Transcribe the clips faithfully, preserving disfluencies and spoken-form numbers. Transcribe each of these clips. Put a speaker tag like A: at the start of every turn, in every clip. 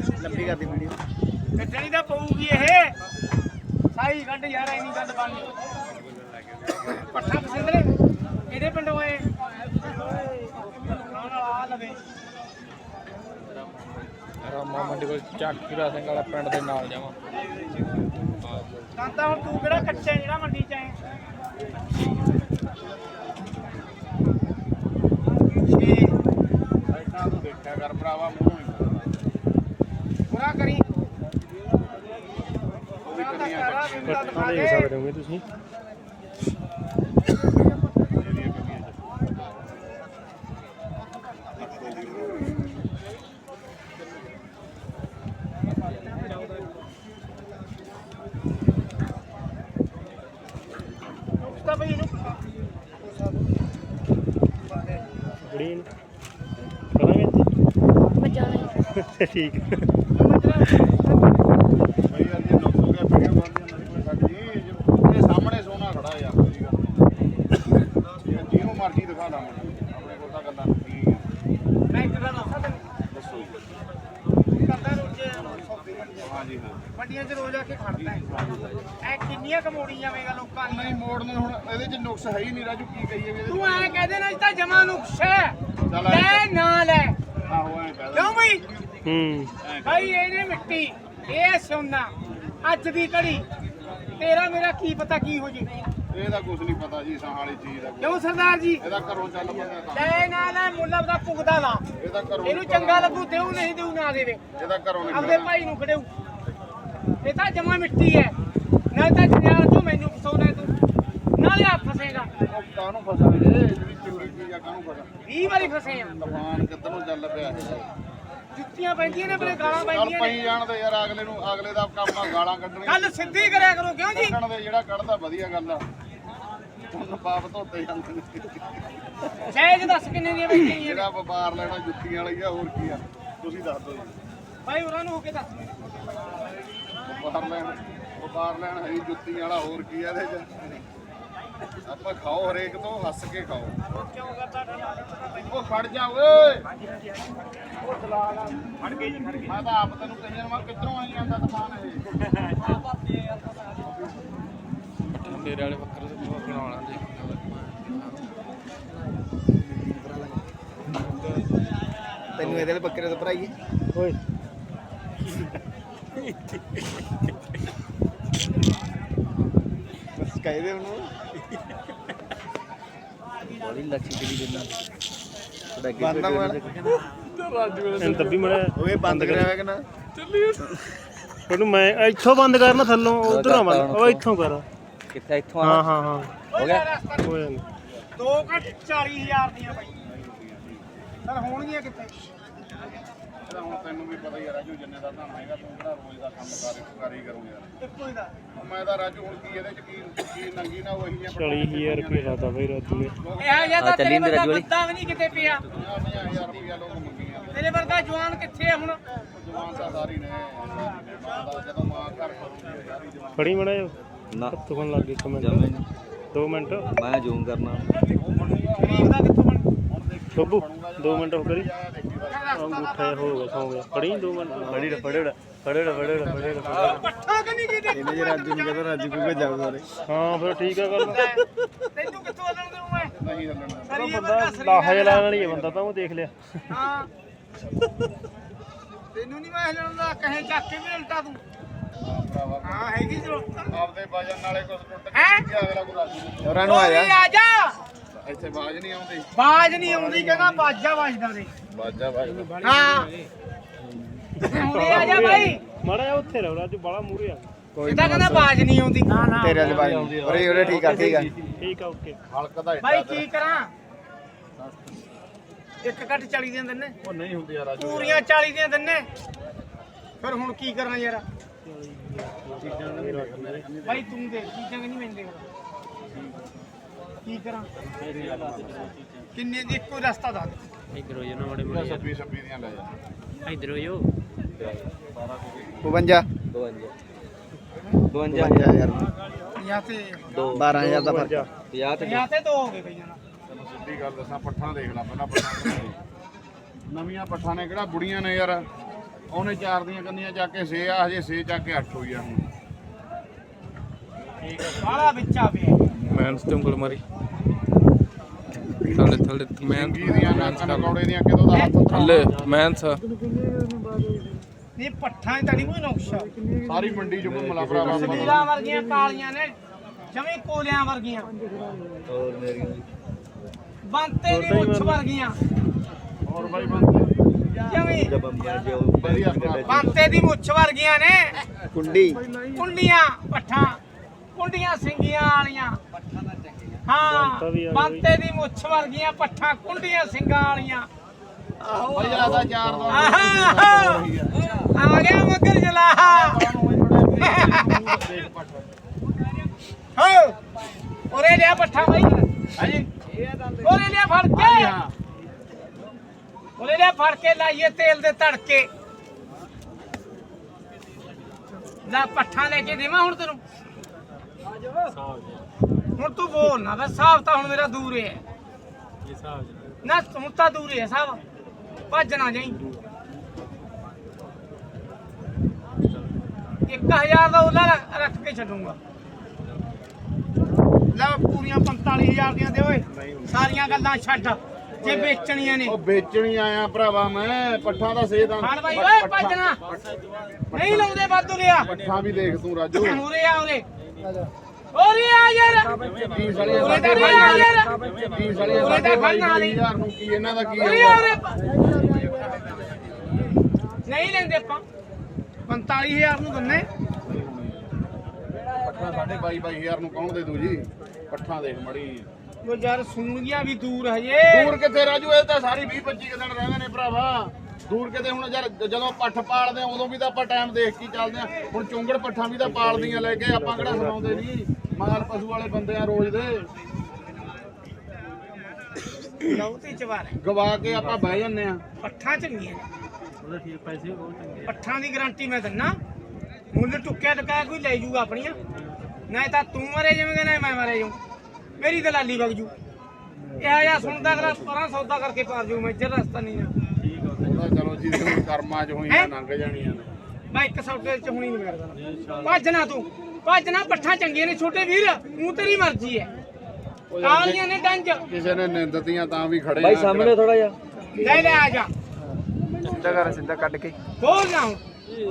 A: ਲੰਬੀ ਕਰਦੀ ਵੀਡੀਓ
B: ਕੱਟਣੀ ਤਾਂ ਪਊਗੀ ਇਹ ਸਾਈ ਕੱਢ ਯਾਰ ਐਨੀ ਗੱਲ ਬਣਨੀ ਪੱਠਾ ਪਸੰਦਰੇ ਇਹਦੇ ਪਿੰਡੋਂ ਆਏ ਖਾਣ ਵਾਲਾ ਆ ਲਵੇ
C: ਰਾਮਾ ਮੰਡੀ ਕੋਲ ਚੱਕੀਰਾ ਸਿੰਘ ਵਾਲਾ ਪਿੰਡ ਦੇ ਨਾਲ ਜਾਵਾਂ
B: ਤਾਂ ਤਾਂ ਹੁਣ ਤੂੰ ਕਿਹੜਾ ਕੱਚਾ ਜਿਹੜਾ ਮੰਡੀ ਚ ਆਏ
D: ਸਾਈਡਾਂ ਤੋਂ ਦੇਖਿਆ ਕਰ ਭਰਾਵਾ ਮੂੰਹ ਨਹੀਂ
B: ਪੂਰਾ ਕਰੀ
D: ਉਹ ਵੀ ਕੰਨੀਆਂ
C: ਪੱਠਾ ਦੇਖ ਸਕਦੇ ਹੋਗੇ ਤੁਸੀਂ
B: ਤਾਂ ਬਈ ਇਹਨੂੰ
C: ਬੜੀ ਕਰਾਂਗੇ
E: ਮੈਂ ਜਾਣਾ
C: ਠੀਕ
D: ਬਈ ਯਾਰ ਜੇ ਨੁਕਸ ਹੋ ਗਿਆ ਪੀੜੀਆਂ ਬੰਦੀਆਂ ਮੇਰੇ ਕੋਲ ਛੱਡ ਜੀ ਇਹ ਸਾਹਮਣੇ ਸੋਨਾ ਖੜਾ ਯਾਰ ਕੋਈ ਗੱਲ ਨਹੀਂ ਜਿਹਨੂੰ ਮਰਜ਼ੀ ਦਿਖਾ ਲਾ ਮੈਨੂੰ ਆਪਣੇ ਕੋਲ ਤਾਂ ਗੱਲਾਂ ਠੀਕ ਆ
B: ਮੈਂ ਇੱਕ ਗੱਲ ਦੱਸਾਂ ਤੈਨੂੰ
D: ਦੱਸੋ ਜੀ।
B: ਕਰਦਾ ਰੋਜ਼
D: ਹਾਂਜੀ ਹਾਂ
B: ਮੰਡੀਆਂ 'ਚ ਰੋਜ਼ ਆ ਕੇ ਖੜਦਾ ਐ ਕਿੰਨੀਆਂ ਕਮੋੜੀ ਜਾਵੇਂਗਾ ਲੋਕਾਂ
D: ਨਹੀਂ
B: ਦੀਆਂ
D: ਮੋੜ ਨੂੰ ਹੁਣ ਇਹਦੇ ਚ ਨੁਕਸ ਹੈ ਹੀ ਨਹੀਂ ਰਾਜੂ ਕੀ ਕਹੀਏ ਵੀ ਇਹਦੇ
B: ਤੂੰ ਐ ਕਹਦੇ ਨਾ ਇਹ ਤਾਂ ਜਮਾ ਨੁਕਸ ਹੈ
D: ਚੱਲ
B: ਲੈ
D: ਐਂ
B: ਨਾ ਲੈ
D: ਆਹੋ ਐਂ ਕਹਿ
B: ਕਿਉਂ ਬਈ
C: ਹੂੰ
B: ਭਾਈ ਇਹਨੇ ਮਿੱਟੀ ਇਹ ਸੋਨਾ ਅੱਜ ਦੀ ਘੜੀ ਤੇਰਾ ਮੇਰਾ ਕੀ ਪਤਾ ਕੀ ਹੋ ਜੇ
D: ਇਹਦਾ ਕੁਝ ਨਹੀਂ ਪਤਾ ਜੀ ਸਾਂ ਵਾਲੀ ਚੀਜ਼ ਦਾ ਕੁਛ।
B: ਕਿਉਂ ਸਰਦਾਰ ਜੀ
D: ਇਹਦਾ ਘਰੋਂ ਚੱਲ ਬੰਦਾ ਤਾਂ
B: ਲੈ ਨਾ ਲੈ ਮੁੱਲਾ ਦਾ ਪੁਗਦਾ ਲਾ
D: ਇਹਦਾ ਘਰੋਂ
B: ਇਹਨੂੰ ਚੰਗਾ ਲੱਗੂ ਦੇਉ ਨਹੀਂ ਦੇਉ ਨਾ ਦੇਵੇ
D: ਇਹਦਾ ਘਰੋਂ ਨਹੀਂ
B: ਆਪਦੇ ਭਾਈ ਨੂੰ ਖੜੇਉ ਇਹ ਤਾਂ ਜਮਾ ਮਿੱਟੀ ਹੈ ਨਾ ਤਾਂ ਜਨਾਰ ਤੂੰ ਮੈਨੂੰ ਫਸਾਉਣਾ ਤੂੰ ਨਾਲੇ ਆ ਫਸੇਗਾ
D: ਉਹ ਕਾਹਨੂੰ ਫਸਾ ਵੀਰੇ ਜਿਹੜੀ ਚੰਗੀ ਚੀਜ਼ ਆ ਕਾਹਨੂੰ ਫਸਾ
B: ਵੀਹ ਵਾਰੀ ਫਸੇ ਆ
D: ਤੂਫਾਨ ਕਿੱਧਰ ਨੂੰ ਚੱਲ ਪਿਆ ਇਹ
B: ਜੁੱਤੀਆਂ ਪੈਂਦੀਆਂ ਨੇ ਬਰੇ ਗਾਲਾਂ
D: ਚੱਲ
B: ਪੈਂਦੀਆਂ
D: ਪਈ
B: ਨੇ
D: ਜਾਣ ਦੇ ਯਾਰ ਅਗਲੇ ਨੂੰ ਅਗਲੇ ਦਾ ਕੰਮ ਆ ਗਾਲਾਂ ਕੱਢਣੀਆਂ
B: ਗੱਲ ਸਿੱਧੀ ਕਰਿਆ ਕਰੋ ਕਿਉਂ ਜੀ
D: ਕੱਢਣ ਦੇ ਜਿਹੜਾ ਕੱਢਦਾ ਵਧੀਆ ਗੱਲ ਆ ਹੁਣ ਪਾਪ ਧੋਤੇ ਜਾਂਦੇ ਨੇ
B: ਸਹਿਜ ਦੱਸ ਕਿੰਨੇ ਦੀਆਂ ਵੇਚਣੀਆਂ ਨੇ
D: ਜਿਹੜਾ ਵਪਾਰ ਲੈਣਾ ਜੁੱਤੀਆਂ ਵਾਲੀ ਆ ਹੋਰ ਕੀ ਆ ਤੁਸੀਂ ਦੱਸ ਦਿਓ ਜੀ
B: ਭਾਈ ਉਹਨਾਂ ਨੂੰ ਹੋ ਕੇ ਦੱਸ
D: ਵਪਾਰ ਲੈਣ ਵਪਾਰ ਲੈਣ ਹੈ ਜੁੱਤੀਆਂ ਵਾਲਾ ਹੋਰ ਕੀ ਆ ਇਹਦੇ ਚ ਆਪਾਂ ਖਾਓ ਹਰੇਕ ਤੋਂ ਹੱਸ ਕੇ ਖਾਓ
B: ਕਿਉਂ ਕਰਦਾ ਡਰ
D: ਉਹ ਖੜ ਜਾ ਓਏ
B: ਉਹ ਦਲਾਲ ਆ ਫੜ ਗਏ ਜੀ ਫੜ ਗਏ
D: ਮੈਂ ਤਾਂ ਆਪ ਤੈਨੂੰ ਕਹੀਆਂ ਮੈਂ ਕਿੱਧਰੋਂ ਆਈ ਜਾਂਦਾ ਤੂਫਾਨ ਇਹ
C: ਮੇਰੇ ਵਾਲੇ ਬੱਕਰੇ ਤੋਂ ਬਣਾਉਣਾ ਦੇਖ
A: ਤੈਨੂੰ ਇਹਦੇ ਲਈ ਬੱਕਰੇ ਤੋਂ ਭਰਾਈਏ
C: ਓਏ
A: ਬਸ ਕਹਿ ਦੇ ਉਹਨੂੰ
C: ਬੜੀ ਲੱਛੀ ਜਿਹੜੀ ਦਿੰਦਾ
A: ਬੰਦਾ ਮਨ
C: ਇਹਨੂੰ ਦੱਬੀ ਮੜਿਆ
A: ਓਏ ਬੰਦ ਕਰਿਆ ਹੋਇਆ ਕਿ ਨਾ
C: ਉਹਨੂੰ ਮੈਂ ਇੱਥੋਂ ਬੰਦ ਕਰਨਾ ਥੱਲੋਂ ਉਧਰ ਆ ਬੰਦ ਉਹ ਇੱਥੋਂ ਕਰ
A: ਕਿੱਥੇ ਇੱਥੋਂ
C: ਹਾਂ ਹਾਂ ਹਾਂ
B: ਹੋ ਗਿਆ
C: ਹੋ ਜਾਂਦਾ
B: ਦੋ ਘੱਟ ਚਾਲੀ ਹਜ਼ਾਰ ਦੀਆਂ ਬਾਈ ਚਲ ਹੋਣਗੀਆਂ ਕਿੱਥੇ
D: ਇਹਦਾ ਹੁਣ ਤੈਨੂੰ ਵੀ ਪਤਾ ਹੀ ਆ ਰਾਜੂ ਜਿੰਨੇ ਦਾ ਤਾਂ ਹੈਗਾ ਤੂੰ ਕਿਹੜਾ ਰੋਜ਼ ਦਾ ਕੰਮ ਕਰ ਕਰ ਹੀ ਕਰੂੰ ਯਾਰ
B: ਇੱਕੋ ਹੀ ਦਾ
D: ਉਹ ਮੈਂ ਤਾਂ ਰਾਜੂ ਹੁਣ ਕੀ ਇਹਦੇ ਚ ਕੀ ਕੀ ਨੰਗੀ ਨਾ ਉਹੀ ਆ
C: ਚਾਲੀ ਹਜ਼ਾਰ ਰੁਪਏ ਲਾਤਾ ਬਈ ਰਾਜੂ ਨੇ
B: ਇਹ ਜਿਹਾ ਤਾਂ ਤੇਰੇ ਵਰਗਾ ਬੰਦਾ ਵੀ ਨਹੀਂ ਕਿਤੇ ਪਿਆ
D: ਪੰਜਾਹ ਹਜ਼ਾਰ ਰੁਪਇਆ ਲੋਕ ਮੰਗੀ ਜਾਂਦੇ
B: ਤੇਰੇ ਵਰਗਾ ਜਵਾਨ ਕਿੱਥੇ ਆ ਹੁਣ
D: ਜਵਾਨ ਤਾਂ ਸਾਰੀ ਨੇ ਮਾਂ ਦਾ ਜਦੋਂ ਮਾਂ ਘਰ ਕਰੂਗੀ ਸਾਰੀ ਜਵਾਨ
C: ਫੜੀ ਮੜਾ ਨਾ ਤੁਕਣ ਲੱਗ ਗਈ ਇੱਕ ਮਿੰਟ ਦੋ ਮਿੰਟ
A: ਮੈਂ ਜ਼ੂਮ ਕਰਨਾ
B: ਗਰੀਬ ਦਾ ਕਿੱਥੋਂ ਬਣ
C: ਬੱਬੂ ਦੋ ਮਿੰਟ ਹੋ ਕਰੀ
B: ਰਸਤਾ
C: ਅੰਗੂਠਾ ਜਿਹਾ ਹੋ ਗਿਆ ਸੌ ਗਿਆ ਫੜੀ ਦੋ ਮਿੰਟ ਫੜੀ ਫੜੇ ਫੜੇ ਫੜੇ ਫੜੇ
B: ਪੱਠਾ ਕਿ ਨਹੀਂ ਕਿਤੇ
A: ਇਹਨੇ ਜੇ ਰਾਜੂ ਨੂੰ ਕਹਿੰਦਾ ਰਾਜੂ ਕੋਈ ਜਾਊ ਸਾਰੇ
C: ਹਾਂ ਫਿਰ ਠੀਕ ਆ ਗੱਲ
B: ਤੈਨੂੰ ਕਿੱਥੋਂ ਹੱਲਣ ਦੇਉ ਮੈਂ
D: ਨਹੀਂ ਹੱਲਣਾ
B: ਸਰੀਏ
C: ਬੰਦਾ
B: ਵਰਗਾ ਸਰੀਆ
C: ਲਾਹਾ ਜਿਹਾ ਲਾਣ ਵਾਲੀ ਹੈ ਬੰਦਾ ਤਾਂ ਉਹ ਦੇਖ ਲਿਆ
B: ਹਾਂ ਤੈਨੂੰ ਨਹੀਂ ਮੈਂ ਹੱਲਣ ਦਾ ਕਹੇ ਚੱਕ ਕੇ ਵੀ ਉਲਟਾ ਤੂੰ
D: ਭਰਾਵਾ
B: ਹਾਂ ਹੈਗੀ ਜ਼ਰੂਰਤ
D: ਆਪਦੇ ਵਜਨ ਨਾਲੇ ਕੁਝ ਟੁੱਟ
B: ਹੈਂ?
D: ਗਿਆ ਅਗਲਾ ਕੋਈ ਰਾਜੂ ਨੂੰ
A: ਹੋਰਾਂ ਨੂੰ ਆ ਜਾ
B: ਆ ਜਾ
D: ਇੱਥੇ ਬਾਜ ਨਹੀਂ ਆਉਂਦੀ
B: ਬਾਜ ਨਹੀਂ ਆਉਂਦੀ ਕਹਿੰਦਾ ਬਾਜਾ ਵੱਜਦਾ ਦੇ
D: ਬਾਜਾ ਬਾਜ
B: ਹਾਂ ਹੁਣੇ ਆ ਜਾ ਬਾਈ
C: ਮਾੜਾ ਜਿਹਾ ਉੱਥੇ ਰਹੋ ਰਾਜੂ ਬਾਲਾ ਮੂਰੇ ਆ
A: ਕੋਈ
B: ਇਹਦਾ ਕਹਿੰਦਾ ਬਾਜ ਨਹੀਂ ਆਉਂਦੀ ਨਾ ਨਾ
A: ਤੇਰੇ ਵਾਲੀ ਬਾਈ ਉਰੇ ਉਰੇ ਠੀਕ ਆ ਠੀਕ ਆ
C: ਠੀਕ ਆ ਓਕੇ
D: ਹਲਕ ਦਾ
B: ਬਾਈ
D: ਹਿੱਸਾ
B: ਕੀ ਕਰਾਂ ਇੱਕ ਘੱਟ ਚਾਲੀ ਦੀਆਂ ਦਿੰਨੇ
D: ਉਹ ਨਹੀਂ ਹੁੰਦੀ ਯਾਰ ਰਾਜੂ
B: ਪੂਰੀਆਂ ਚਾਲੀ ਦੀਆਂ ਦਿੰਨੇ ਫਿਰ ਹੁਣ ਕੀ ਕਰਾਂ ਯਾਰ ਬਾਈ ਤੂੰ ਦੇਖ ਚੀਜ਼ਾਂ ਕਿ ਨਹੀਂ ਮੈਂ ਦੇਖਦਾ ਕੀ ਕਰਾਂ ਕਿੰਨੇ ਦੀ ਇੱਕੋ ਰਸਤਾ ਦੱਸ
C: ਇਧਰ ਹੋ ਜਾਣਾ ਬੜੇ
D: ਛੱਬੀ ਛੱਬੀ ਦੀਆਂ ਲੈ ਜਾ
C: ਇਧਰ ਹੋ ਜੋ
A: ਬਵੰਜਾ ਬਵੰਜਾ ਹਜ਼ਾਰ
B: ਜਾਂ ਤੇ
A: ਬਾਰਾਂ ਹਜ਼ਾਰ ਦਾ ਫਰਕ
C: ਪੰਜਾਹ ਤੇ
B: ਜਾਂ ਤੇ ਦੋ ਹੋ ਗਏ ਬਈਆਂ
D: ਤੈਨੂੰ ਸਿੱਧੀ ਗੱਲ ਦੱਸਾਂ ਪੱਠਾਂ ਦੇਖ ਲੈ ਪਹਿਲਾਂ ਪੱਠਾਂ ਨਵੀਆਂ ਪੱਠਾਂ ਨੇ ਕਿਹੜਾ ਬੁੜੀਆਂ ਨੇ ਯਾਰ ਉਹਨੇ ਚਾਰ ਦੀਆਂ ਕੰਨੀਆਂ ਚੱਕ ਕੇ ਛੇ ਆ, ਹਜੇ ਛੇ ਚੱਕ ਕੇ ਅੱਠ ਹੋਈ ਆ ਹੁਣ।
B: ਬਾਲਾ ਵਿੱਚਾ ਪਿਆ
E: ਮੈਂਸ ਤੇ ਉਂਗਲ ਮਾਰੀ ਥੱਲੇ ਥੱਲੇ ਮੈਂ
D: ਚੰਗੀ ਦੀਆਂ ਨਾਕਾਂ ਨਕੌੜੇ ਦੀਆਂ ਕਿਦੋਂ ਦਾ ਹੱਥ
E: ਥੱਲੇ ਮੈਂਸ
B: ਇਹ ਪੱਠਾਂ 'ਚ ਤਾਂ ਨਹੀਂ ਕੋਈ ਨੁਕਸ਼ਾ
D: ਸਾਰੀ ਮੰਡੀ ਚ ਘੁੰਮਲਾ ਭਰਾਵਾ
B: ਸਲੀਲਾ ਵਰਗੀਆਂ ਕਾਲੀਆਂ ਨੇ ਜਮੀ ਕੋਲਿਆਂ ਵਰਗੀਆਂ
A: ਹੋਰ ਮੇਰੀ
B: ਬੰਤੇ ਦੀ ਮੁੱਛ ਵਰਗੀਆਂ
D: ਹੋਰ ਬਾਈ ਬੰਦੇ
B: ਜਮੀ
A: ਬੰਬੀਆਂ ਜੋ
D: ਵਧੀਆ ਭਰਾ।
B: ਬੰਤੇ ਦੀ ਮੁੱਛ ਵਰਗੀਆਂ ਨੇ
A: ਕੁੰਡੀ
B: ਕੁੰਡੀਆਂ ਪੱਠਾਂ ਕੁੰਡੀਆਂ ਸਿੰਗੀਆਂ ਵਾਲੀਆਂ ਹਾਂ ਬੰਤੇ ਦੀ ਮੁੱਛ ਵਰਗੀਆਂ ਪੱਠਾਂ ਕੁੰਡੀਆਂ ਸਿੰਘਾਂ ਵਾਲੀਆਂ
D: ਬਾਈ ਆਦਾ ਚਾਰ ਦਾ
B: ਆਹਾ ਆ ਗਿਆ ਮਗਰ ਜਲਾ ਹੋ ਉਰੇ ਲਿਆ ਪੱਠਾ ਬਾਈ
D: ਹਾਂਜੀ
B: ਉਰੇ ਲਿਆ ਫੜ ਕੇ ਉਰੇ ਲਿਆ ਫੜ ਕੇ ਲਾਈਏ ਤੇਲ ਦੇ ਤੜਕੇ ਲੈ ਪੱਠਾ ਲੈ ਕੇ ਦੇਵਾਂ ਹੁਣ ਤੈਨੂੰ ਹੁਣ ਤੂੰ ਬੋਲ ਨਾ ਬਸ ਸਾਹਬ ਤਾਂ ਹੁਣ ਮੇਰਾ ਦੂਰ ਹੈ ਨਾ ਹੁਣ ਤਾਂ ਦੂਰ ਹੈ ਸਾਹਬ ਭੱਜ ਨਾ ਜਾਈ ਇੱਕ ਹਜ਼ਾਰ ਦਾ ਉਹਲਾ ਰੱਖ ਕੇ ਛੱਡੂਗਾ ਲੈ ਪੂਰੀਆਂ ਪੰਤਾਲੀ ਹਜ਼ਾਰ ਦੀਆਂ ਦੇ ਓਏ ਸਾਰੀਆਂ ਗੱਲਾਂ ਛੱਡ ਜੇ ਵੇਚਣੀਆਂ ਨੇ
D: ਉਹ ਵੇਚਣੀ ਆਇਆ ਭਰਾਵਾ ਮੈਂ ਪੱਠਾਂ ਦਾ ਸੇਧ
B: ਖਾਣ ਬਾਈ ਓਏ ਭੱਜਣਾ ਨਹੀਂ ਲਾਉਂਦੇ ਵਾਧੂ ਲਿਆ
D: ਪੱਠਾਂ ਵੀ ਦੇਖ ਤੂੰ ਰਾਜੂ
B: ਉਰੇ ਆ ਉਰੇ ਉਰੇ ਆ ਯਾਰ
D: ਤੀਸ ਵਾਲੀ
B: ਉਰੇ ਤਾਂ ਨਹੀਂ ਆ ਯਾਰ
D: ਤੀਸ ਵਾਲੀ
B: ਉਰੇ ਤਾਂ ਖੜਨਾ ਨਹੀਂ
D: ਹਜ਼ਾਰ ਨੂੰ ਕੀ ਇਹਨਾਂ ਦਾ ਕੀ
B: ਉਰੇ ਆ ਉਰੇ ਨਹੀਂ ਲੈਂਦੇ ਆਪਾਂ ਪੰਤਾਲੀ ਹਜ਼ਾਰ ਨੂੰ ਦਿੰਨੇ
D: ਪੱਠਾਂ ਸਾਡੇ ਬਾਈ ਬਾਈ ਹਜ਼ਾਰ ਨੂੰ ਕੌਣ ਦੇ ਦੂ ਜੀ ਪੱਠਾਂ ਦੇਖ ਮੜੀ
B: ਉਹ ਯਾਰ ਸੂਣਗੀਆਂ ਵੀ ਦੂਰ ਹਜੇ
D: ਦੂਰ ਕਿੱਥੇ ਰਾਜੂ ਇਹ ਤਾਂ ਸਾਰੀ ਵੀਹ ਪੱਚੀ ਕੁ ਦਿਨ ਰਹਿੰਦੇ ਨੇ ਭਰਾਵਾ ਦੂਰ ਕਿਤੇ ਹੁਣ ਯਾਰ ਜਦੋਂ ਪੱਠ ਪਾਲਦੇ ਆ ਉਦੋਂ ਵੀ ਤਾਂ ਆਪਾਂ ਟਾਈਮ ਦੇਖ ਕੇ ਚੱਲਦੇ ਆ ਹੁਣ ਚੁੰਗੜ ਪੱਠਾਂ ਵੀ ਤਾਂ ਪਾਲਦੀਆਂ ਲੈ ਕੇ ਆਪਾਂ ਕਿਹੜਾ ਸੁਣਾਉਂਦੇ ਨਹੀਂ ਮਾਲ ਪਸ਼ੂ ਵਾਲੇ ਬੰਦੇ ਆ ਰੋਜ਼ ਦੇ
B: ਲੌਤੀ ਚਵਾਰ
D: ਗਵਾ ਕੇ ਆਪਾਂ ਬਹਿ ਜੰਨੇ ਆ
B: ਪੱਠਾਂ ਚੰਗੀਆਂ ਨੇ ਪੱਠਾਂ ਦੀ ਗਾਰੰਟੀ ਮੈਂ ਦਿੰਨਾ ਮੁੱਲ ਟੁੱਕਿਆ ਟਕਾਇਆ ਕੋਈ ਲੈ ਜੂਗਾ ਆਪਣੀਆਂ ਨਾ ਤਾਂ ਤੂੰ ਮਰੇ ਜਾਵੇਂਗਾ ਨਾ ਮੈਂ ਮਰੇ ਜਾਊਂ ਮੇਰੀ ਦਲਾਲੀ ਵਗ ਜੂ ਇਹ ਆ ਸੁਣਦਾ ਅਗਲਾ ਪਰਾਂ ਸੌਦਾ ਕਰਕੇ ਪਾਰ ਜੂ ਮੈਂ ਇੱਧਰ ਰਸਤਾ ਨਹੀਂ ਨਾ
D: ਉਹਦਾ ਚਲੋ ਜੀ ਹੁਣ ਕਰਮਾਂ 'ਚ ਹੋਈਆਂ ਲੰਘ ਜਾਣੀਆਂ ਨੇ
B: ਮੈਂ ਇੱਕ ਸੌਦੇ 'ਚ ਹੁਣੀ ਨਹੀਂ ਮਿਲਦਾ ਭੱਜ ਨਾ ਤੂੰ ਭੱਜ ਨਾ ਪੱਠਾਂ ਚੰਗੀਆਂ ਨੇ ਛੋਟੇ ਵੀਰ ਤੂੰ ਤੇਰੀ ਮਰਜ਼ੀ ਹੈ ਕਾਲੀਆਂ ਨੇ ਡੰਜ
D: ਕਿਸੇ ਨੇ ਨਿੰਦਤੀਆਂ ਤਾਂ ਵੀ ਖੜੇ
A: ਬਾਈ ਸਾਹਮਣੇ ਥੋੜਾ ਜਿਹਾ
B: ਲੈ ਲੈ ਆ ਜਾ
A: ਸਿੱਧਾ ਕਰ ਸਿੱਧਾ ਕੱਢ ਕੇ
B: ਬੋਲ ਨਾ ਹੁਣ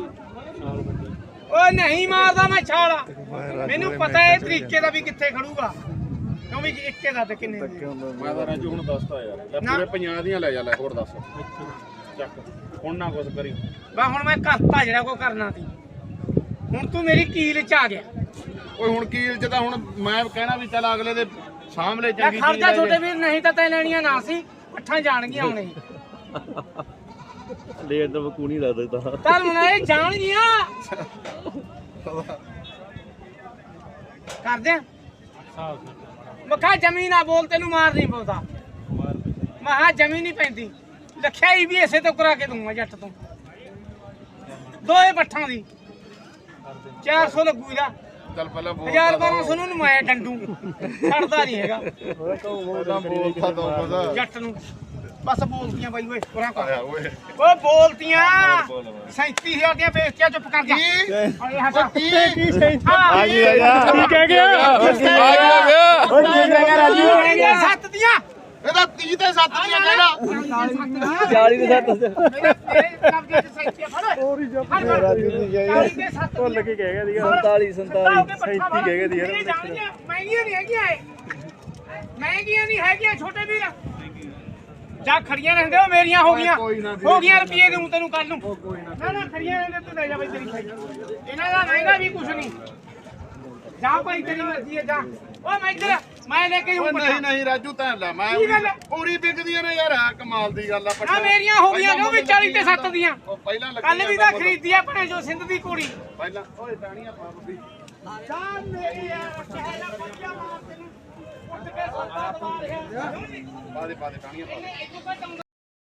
B: ਓਏ ਨਹੀਂ ਮਾਰਦਾ ਮੈਂ ਛਾਲਾ ਮੈਨੂੰ ਪਤਾ ਹੈ ਇਹ ਤਰੀਕੇ ਦਾ ਵੀ ਕਿੱਥੇ ਖੜੂਗਾ ਕਿਉਂ ਵੀ ਇੱਕੇ ਦਾ ਤੇ ਕਿੰਨੇ ਦੀ
D: ਮੈਂ ਤਾਂ ਰਾਜੂ ਹੁਣ ਦੱਸਤਾ ਯਾਰ ਲੈ ਪੂਰੇ ਪੰਜਾਹ ਦੀਆਂ ਲੈ ਜਾ ਲੈ ਹੋਰ ਦੱਸ ਚੱਕ ਹੁਣ ਨਾ ਕੁਛ ਕਰੀ
B: ਬਾ ਹੁਣ ਮੈਂ ਕਰਤਾ ਜਿਹੜਾ ਕੋ ਕਰਨਾ ਸੀ ਹੁਣ ਤੂੰ ਮੇਰੀ ਕੀਲ ਚ ਆ ਗਿਆ
D: ਓਏ ਹੁਣ ਕੀਲ 'ਚ ਤਾਂ ਹੁਣ ਮੈਂ ਕਹਿਣਾ ਵੀ ਚੱਲ ਅਗਲੇ ਦੇ ਸਾਹਮਣੇ
B: ਲੈ
D: ਚੰਗੀ
B: ਖੜ
D: ਚੀਜ਼
B: ਜਾ
D: ਲੈ
B: ਛੋਟੇ
D: ਜੇ।
B: ਵੀਰ ਨਹੀਂ ਤਾਂ ਤੈ ਲੈਣੀਆਂ ਨਾ ਸੀ ਪੱਠਾਂ ਜਾਣਗੀਆਂ ਹੁਣੇ
A: ਲੇਟ ਤਾਂ ਬਕੂ ਨਹੀਂ ਲੱਗਦਾ
B: ਚੱਲ ਹੁਣ ਇਹ ਜਾਣਗੀਆਂ ਕਰਦੇ ਆ ਮਖਾ ਜ਼ਮੀਨ ਆ ਬੋਲ ਤੈਨੂੰ ਮਾਰ ਨਹੀਂ ਪਾਉਂਦਾ ਮਹਾ ਜ਼ਮੀਨ ਨਹੀਂ ਪੈਂਦੀ ਲਖਿਆਈ ਵੀ ਇਸੇ ਤੋਂ ਕਰਾ ਕੇ ਦੂੰਗਾ ਜੱਟ ਤੋਂ ਦੋਏ ਪੱਠਾਂ ਦੀ ਚਾਰ ਸੌ ਲੱਗੂ ਇਹਦਾ
D: ਚੱਲ ਪਹਿਲਾਂ ਬੋਲ
B: ਹਜ਼ਾਰ ਬਾਰਾਂ ਸੌ ਨੂੰ ਮੈਂ ਡੰਡੂ ਛੱਡਦਾ ਨਹੀਂ ਹੈਗਾ
D: ਪਹਿਲਾਂ ਬੋਲਦਾ ਦੋ ਕੁਝ
B: ਜੱਟ ਨੂੰ ਬਸ ਬੋਲਤੀਆਂ ਬਾਈ ਓਏ ਪੁਰਾ ਕਰ
D: ਆਇਆ ਓਏ
B: ਓ ਬੋਲਤੀਆਂ ਸੈਂਤੀ ਹਜ਼ਾਰ ਦੀਆਂ ਵੇਚਤੀਆਂ ਚੁੱਪ ਕਰ ਜਾ ਅਰੇ ਹਟਾ
D: ਕੀ
B: ਆ
C: ਕੀ ਕਹਿ ਗਿਆ
E: ਆ ਗਿਆ
A: ਓਏ ਕੀ ਕਹਿ ਗਿਆ ਰਾਜੂ
B: ਸੱਤ ਦੀਆਂ
D: ਇਹਦਾ ਤੀਹ ਤੇ ਸੱਤ ਦੀਆਂ ਕਹਿਣਾ
A: ਚਾਲੀ ਦੇ ਸੱਤ
B: ਮੇਰੇ ਤੇਰੇ ਕਬਜ਼ੇ 'ਚ ਸੈਂਤੀ ਫੜ ਓਏ
A: ਰਾਜੂ ਦੀ ਜਾਈ
C: ਭੁੱਲ ਕੇ ਕਹਿ ਗਿਆ ਸੀਗਾ
A: ਸੰਤਾਲੀ ਸੰਤਾਲੀ
C: ਸੈਂਤੀ ਕਹਿ ਗਿਆ ਦੀ ਯਾਰ
B: ਮਹਿੰਗੀਆਂ ਨਹੀਂ ਹੈਗੀਆਂ ਇਹ ਮਹਿੰਗੀਆਂ ਨਹੀਂ ਹੈਗੀਆਂ ਛੋਟੇ ਵੀਰ ਜਾ ਖੜੀਆਂ ਰਹਿੰਦੇ ਹੋ ਮੇਰੀਆਂ ਹੋ ਗਈਆਂ ਹੋ ਗਈਆਂ ਰੁਪਏ ਦੂੰ ਤੈਨੂੰ ਕੱਲ ਨੂੰ ਨਾ ਨਾ ਖੜੀਆਂ ਰਹਿੰਦੇ ਤੂੰ ਲੈ ਜਾ ਬਈ ਤੇਰੀ ਖਾਈ ਇਹਨਾਂ ਦਾ ਮਹਿੰਗਾ ਵੀ ਕੁਛ ਨਹੀਂ ਜਾ ਭਾਈ ਤੇਰੀ ਮਰਜ਼ੀ ਹੈ ਜਾ ਓ ਮੈਂ ਇੱਧਰ ਮੈਂ ਲੈ ਕੇ
D: ਓਏ
B: ਹੂੰ
D: ਨਹੀਂ ਨਹੀਂ ਰਾਜੂ ਤਾਂ ਲੈ ਮੈਂ
B: ਕੀ ਗੱਲ?
D: ਪੂਰੀ ਵਿਕਦੀਆਂ ਨੇ ਯਾਰ ਆ ਕਮਾਲ ਦੀ ਗੱਲ ਆ
B: ਆ ਮੇਰੀਆਂ ਹੋ ਗਈਆਂ ਜੋ ਵੀ ਚਾਲੀ ਤੇ ਸੱਤ ਦੀਆਂ
D: ਉਹ ਪਹਿਲਾਂ ਲੱਗੀ
B: ਕੱਲ ਵੀ ਤਾਂ ਖਰੀਦੀ ਆ ਭਣੇ ਜੋ ਸਿੰਧ ਦੀ ਕੁੜੀ
D: ਪਹਿਲਾਂ ਓਏ ਟਾਣੀਆਂ ਪਾ ਬੱਬੀ
B: ਜਾਨ ਮੇਰੀ ਯਾਰ ਚਾਹੇ ਨਾ ਬੱਚਾ ਮਾਰ ਤੈਨੂੰ ਉੱਠ ਕੇ ਸੱਤਾ ਦਵਾ ਰਿਹਾ
D: ਪਾ ਦੇ ਪਾ ਦੇ ਟਾਣੀਆਂ ਪਾ ਦੇ
B: ਇਹਨੇ ਇੱਕ ਘਟਾਉਂਦਾ